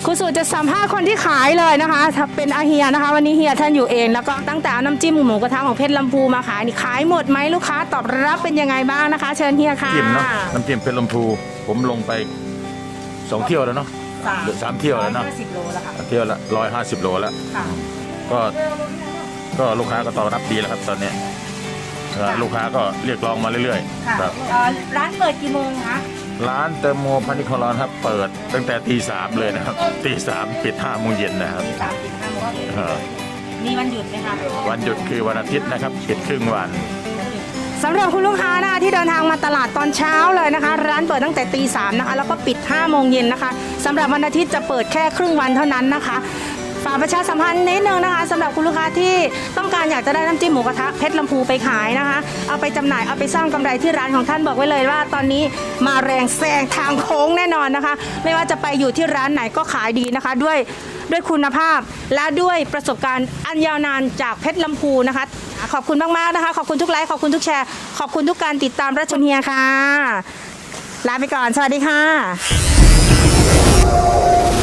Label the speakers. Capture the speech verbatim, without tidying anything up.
Speaker 1: คุณสุจะสัมภาษณ์คนที่ขายเลยนะคะเป็นอาเฮียนะคะวันนี้เฮียท่านอยู่เองแล้วก็ตั้งแต่น้ำจิ้มหมูกระทะของเพชรลำพูมาขายนี่ขายหมดไหมลูกค้าตอบรับเป็นยังไงบ้างนะคะ เชิญเฮียค่ะ
Speaker 2: จิ้มเนาะน้ำจิ้มเพชรลำพูผมลงไปสองเที่ยวแล้วเนาะหรือสามเที่ยวแล้วเนาะ
Speaker 1: สิบโลแล้วค่ะ
Speaker 2: เที่ยวละร้อยห้าสิบโลแล้ว
Speaker 1: ค่ะ
Speaker 2: ก็ก็ลูกค้าก็ตอบรับดีแล้วครับตอนนี้ลูกค้าก็เรียกร้องมาเรื่อย
Speaker 1: ค่ะ
Speaker 2: ๆครับ
Speaker 1: ร้านเปิดกี่โมงคะ
Speaker 2: ร้านเติมโมพันิคอรอนครับเปิดตั้งแต่ตีสามเลยนะครับตีสามปิดห้าโมงเย็นนะครับ
Speaker 1: สามสิบห้าโมง
Speaker 2: เออ
Speaker 1: มีวันหยุดไหมคะ
Speaker 2: วันหยุดคือวันอาทิตย์นะครับปิดครึ่งวัน
Speaker 1: สำหรับคุณลูกค้านะคะที่เดินทางมาตลาดตอนเช้าเลยนะคะ ร้านเปิดตั้งแต่ตีสามนะคะแล้วก็ปิดห้าโมงเย็นนะคะสำหรับวันอาทิตย์จะเปิดแค่ครึ่งวันเท่านั้นนะคะฝากประชาสัมพันธ์นิดนึงนะคะสำหรับคุณลูกค้าที่ต้องการอยากจะได้น้ำจิ้มหมูกระทะเพชรลำพูไปขายนะคะเอาไปจำหน่ายเอาไปสร้างกำไรที่ร้านของท่านบอกไว้เลยว่าตอนนี้มาแรงแซงทางโค้งแน่นอนนะคะไม่ว่าจะไปอยู่ที่ร้านไหนก็ขายดีนะคะด้วยด้วยคุณภาพและด้วยประสบการณ์อันยาวนานจากเพชรลำพูนะคะขอบคุณมากๆนะคะขอบคุณทุกไลค์ขอบคุณทุกแชร์ขอบคุณทุกการติดตามรับชมเฮียค่ะลาไปก่อนสวัสดีค่ะ